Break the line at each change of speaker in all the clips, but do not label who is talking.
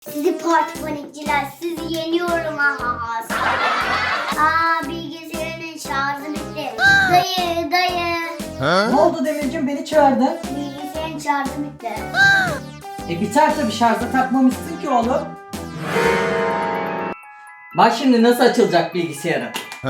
Sizi parti panikçiler, sizi yeniyorum aha. Bilgisayarın şarjı bitti. Dayı.
Ne oldu Demircim, beni çağırdın?
Bilgisayarın şarjı bitti.
Biter tabii, şarja takmamışsın ki oğlum. Bak şimdi nasıl açılacak bilgisayarın.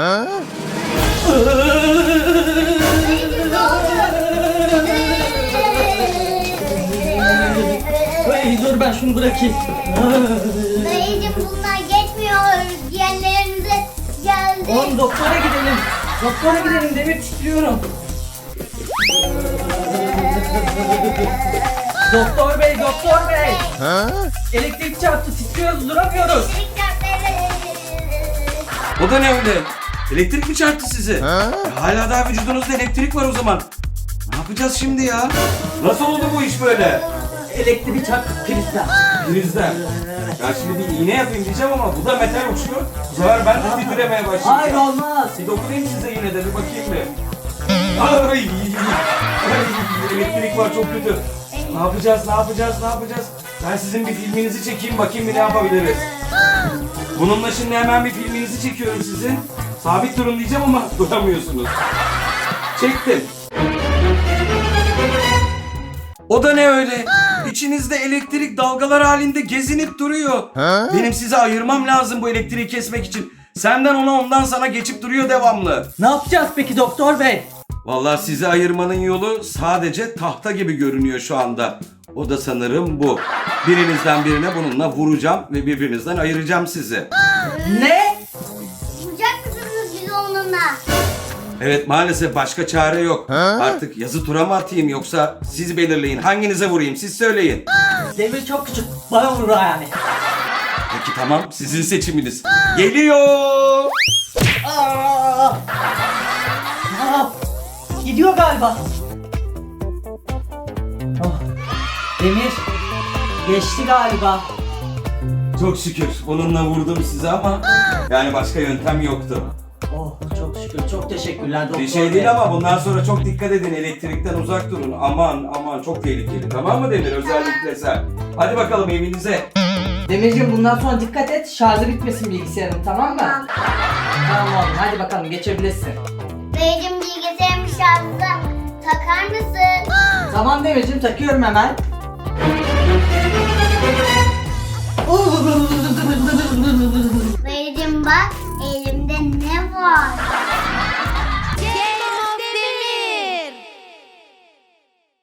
Hey, dur ben şunu bırakayım.
Dayıcım bunlar geçmiyor. Diğerlerinize geldi.
Oğlum doktora gidelim. Doktora gidelim, Demir titriyorum. Doktor bey, doktor bey. Elektrik çarptı, titriyoruz, duramıyoruz.
O da ne öyle? Elektrik mi çarptı sizi? Hala daha vücudunuzda elektrik var o zaman. Ne yapacağız şimdi ya? Nasıl oldu bu iş böyle?
Elektrik çarptı prizden.
Prizden. Ya şimdi bir iğne yapayım diyeceğim ama bu da metal uçuyor. Bu sefer ben de titremeye başlayacağım.
Hayır, olmaz.
Bir dokunayım size yine de bir bakayım bir. Ay, elektrik var çok kötü. Ne yapacağız? Ben sizin bir filminizi çekeyim bakayım bir ne yapabiliriz. Bununla şimdi hemen bir filminizi çekiyorum sizin. Sabit durun diyeceğim ama duramıyorsunuz. Çektim. O da ne öyle? İçinizde elektrik dalgalar halinde gezinip duruyor. Benim size ayırmam lazım bu elektriği kesmek için. Senden ona, ondan sana geçip duruyor devamlı.
Ne yapacağız peki doktor bey?
Vallahi sizi ayırmanın yolu sadece tahta gibi görünüyor şu anda. O da sanırım bu. Birinizden birine bununla vuracağım ve birbirinizden ayıracağım sizi.
Ne?
Vuracak mısınız bizi onunla?
Evet, maalesef başka çare yok. Artık yazı tura mı atayım yoksa siz belirleyin. Hanginize vurayım siz söyleyin.
Demir çok küçük, bana vurur yani.
Peki tamam, sizin seçiminiz. Geliyor.
Aa! Gidiyor galiba. Oh. Demir geçti galiba.
Çok şükür bununla vurdum size ama yani başka yöntem yoktu.
Oh çok şükür, çok teşekkürler doktor
Bir şey
bey.
değil ama bundan sonra çok dikkat edin, elektrikten uzak durun. Aman çok tehlikeli, tamam mı Demir, özellikle sen. Hadi bakalım evinize.
Demirciğim bundan sonra dikkat et, şarjı bitmesin bilgisayarın, tamam mı?
Tamam.
Tamam oğlum, hadi bakalım geçebilirsin.
Dayıcım bilgisayarın şarjı takar mısın?
Tamam Demirciğim, takıyorum hemen.
Dayıcım bak elimde ne var?